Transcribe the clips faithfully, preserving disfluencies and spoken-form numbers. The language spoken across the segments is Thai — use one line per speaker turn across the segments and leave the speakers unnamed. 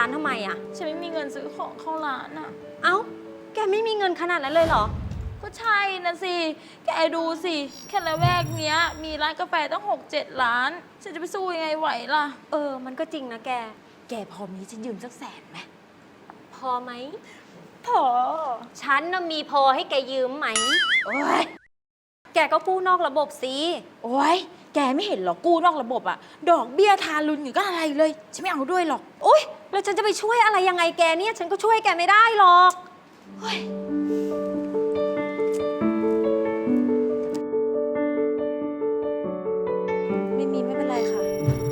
านทำไมอะ
ฉันไม่มีเงินซื้อของเข้าร้านอ่ะ
เอ้าแกไม่มีเงินขนาดนั้นเลยเหรอ
ก็ใช่นะสิ แกดูสิ แค่ละแวกเนี้ย มีร้านกาแฟตั้งหกเจ็ดร้าน ฉันจะไปสู้ยังไงไหวล่ะ
เออมันก็จริงนะแก
แกพอมีฉันยืมสักแสนไหม
พอไหม
พอ
ฉันน่ะมีพอให้แกยืมไหม
โอ้ย
แกก็กู้นอกระบบสิ
โอ้ย แกไม่เห็นหรอกู้นอกระบบอะดอกเบี้ยทารุณอยู่ก็อะไรเลย ฉันไม่เอาด้วยหรอก
โอ๊ยแล้วฉันจะไปช่วยอะไรยังไงแกเนี่ย ฉันก็ช่วยแกไม่ได้หรอกเฮ้ย
ไม่มีไม่เป็นไรค่ะ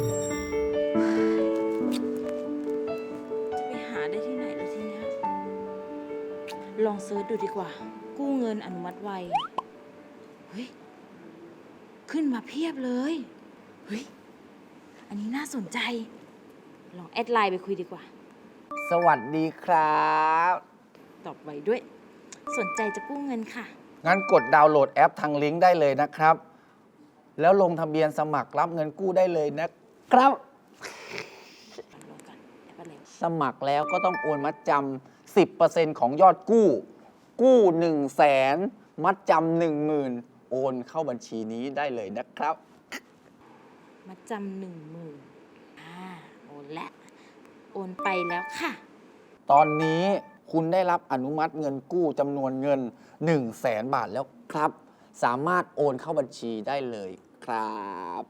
จะไปหาได้ที่ไหนแล้วทีเนี้ย ลองเซิร์ชดูดีกว่า กู้เงินอนุมัติไว เฮ้ย ขึ้นมาเพียบเลย เฮ้ย อันนี้น่าสนใจ ลองแอดไลน์ไปคุยดีกว่า
สวัสดีครับ
ตอบไวด้วย สนใจจะกู้เงินค่ะ
งั้นกดดาวน์โหลดแอปทางลิงก์ได้เลยนะครับ แล้วลงทะเบียนสมัครรับเงินกู้ได้เลยนะครับ
ลงกันแอปอะไรวะ
สมัครแล้วก็ต้องโอนมัดจำ สิบเปอร์เซ็นต์ ของยอดกู้ กู้ หนึ่งแสน มัดจำหนึ่งหมื่นโอนเข้าบัญชีนี้ได้เลยนะครับ
มาจำหนึ่งหมื่นอ่า โอนแล้ว โอนไปแล้วค่ะ
ตอนนี้คุณได้รับอนุมัติเงินกู้จำนวนเงิน หนึ่งแสน บาทแล้วครับ สามารถโอนเข้าบัญชีได้เลยครับ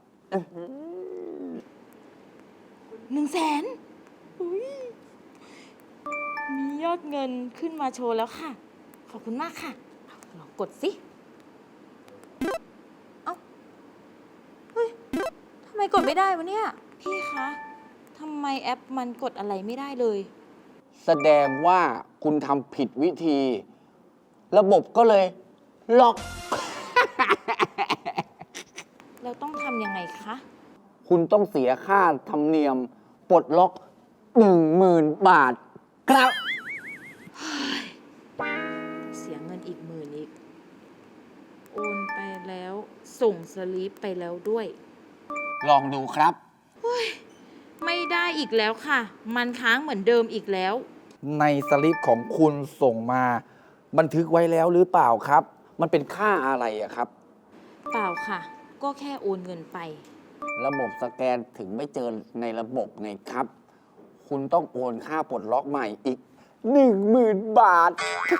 หนึ่งแสนอุ้ยมียอดเงินขึ้นมาโชว์แล้วค่ะ ขอบคุณมากค่ะ ลองกดสิ เอ้า เฮ้ย ทำไมกดไม่ได้วะเนี่ย พี่คะ ทำไมแอปมันกดอะไรไม่ได้เลย
แสดงว่าคุณทำผิดวิธี ระบบก็เลยล็อก
เราต้องทำยังไงคะ
คุณต้องเสียค่าธรรมเนียมปลดล็อกหนึ่งหมื่นบาทครับ
เสียเงินอีกหมื่นอีก โอนไปแล้ว ส่งสลิปไปแล้วด้วย
ลองดูครับ
ไม่ได้อีกแล้วค่ะ มันค้างเหมือนเดิมอีกแล้ว
ในสลิปของคุณส่งมา บันทึกไว้แล้วหรือเปล่าครับ มันเป็นค่าอะไรอะครับ
เปล่าค่ะ ก็แค่โอนเงินไป
ระบบสแกนถึงไม่เจอในระบบไงครับ คุณต้องโอนค่าปลดล็อกใหม่อีกหนึ่งหมื่นบาท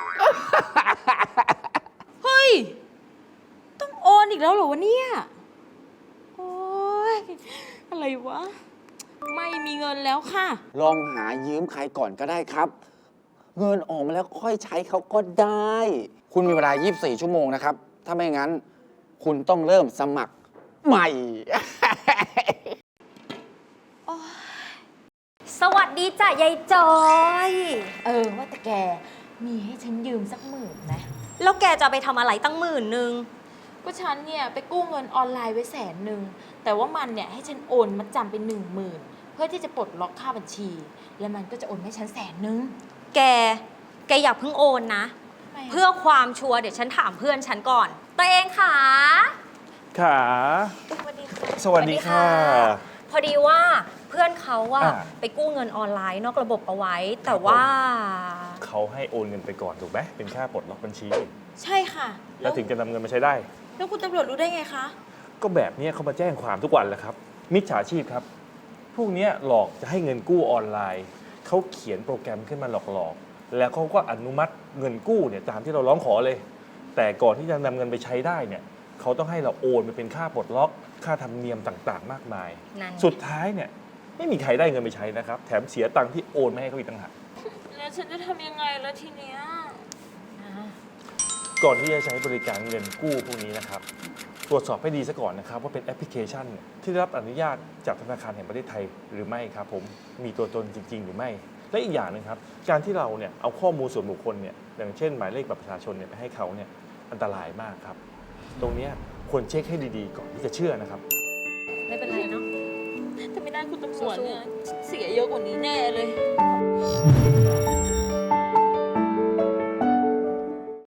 เฮ้ย ต้องโอนอีกแล้วเหรอวะเนี่ย โอ้ย อะไรวะ ไม่มีเงินแล้วค่ะ
ลองหายืมใครก่อนก็ได้ครับ เงินออกมาแล้วค่อยใช้เขาก็ได้ คุณมีเวลา ยี่สิบสี่ ชั่วโมงนะครับ ถ้าไม่งั้น คุณต้องเริ่มสมัครใหม่
สวัสดีจ้ะยายจอย
เออ ว่าแต่แก มีให้ฉันยืมสักหมื่นไหม
แล้วแกจะเอาไปทำอะไรตั้งหมื่นหนึ่ง
ก็ฉันเนี่ยไปกู้เงินออนไลน์ไว้แสนหนึ่ง แต่ว่ามันเนี่ยให้ฉันโอนมาจำเป็นหนึ่งหมื่นเพื่อที่จะปลดล็อกค่าบัญชี แล้วมันก็จะโอนให้ฉันแสนหนึ่ง
แก แกอย่าเพิ่งโอนนะ เพื่อความชัวร์เดี๋ยวฉันถามเพื่อนฉันก่อน ตัวเองค่ะ
ขา
สวัสดีค่ะ
สวัสดีค่ะ
พอดีว่าเพื่อนเขาอะ
อ่า
ไปกู้เงินออนไลน์นอกระบบเอาไว้ แต่ว่า
เขาให้โอนเงินไปก่อนถูกไหมเป็นค่าปลดล็อกบัญชี
ใช่ค่ะ
แล้วถึงจะนำเงินมาใช้ได้
แล้วคุณตำรวจรู้ได้ไงคะ
ก็แบบเนี้ยเขามาแจ้งความทุกวันแหละครับ มิจฉาชีพครับ พวกเนี้ยหลอกจะให้เงินกู้ออนไลน์ เขาเขียนโปรแกรมขึ้นมาหลอกๆ แล้วเขาก็อนุมัติเงินกู้เนี่ยตามที่เราร้องขอเลย แต่ก่อนที่จะนำเงินไปใช้ได้เนี่ยเขาต้องให้เราโอนไปเป็นค่าปลดล็อก ค่าธรรมเนียมต่างๆ มากมาย
นั่น
สุดท้ายเนี่ยไม่มีใครได้เงินไปใช้นะครับ แถมเสียตังค์ที่โอนไม่ให้เขาอีกต่างหาก
แล้วฉันจะทำยังไงแล้วทีเนี้ย
ก่อนที่จะใช้บริการเงินกู้พวกนี้นะครับ ตรวจสอบให้ดีซะก่อนนะครับว่าเป็นแอปพลิเคชันที่ได้รับอนุญาตจากธนาคารแห่งประเทศไทยหรือไม่ครับผมมีตัวตนจริง ๆ หรือไม่ และอีกอย่างหนึงครับการที่เราเนี่ยเอาข้อมูลส่วนบุคคลเนี่ยอย่างเช่นหมายเลขบัตรประชาชนเนี่ยไปให้เขาเนี่ยอันตรายมากครับ ตรงเนี้ยควรเช็คให้ดีๆ ก่อนที่จะเชื่อนะครับ
ไม่เป็นไรเนาะ
ถ้าไม่ได้คุณตำรวจเนี่ยเสียเยอะกว่านี้แน่เลย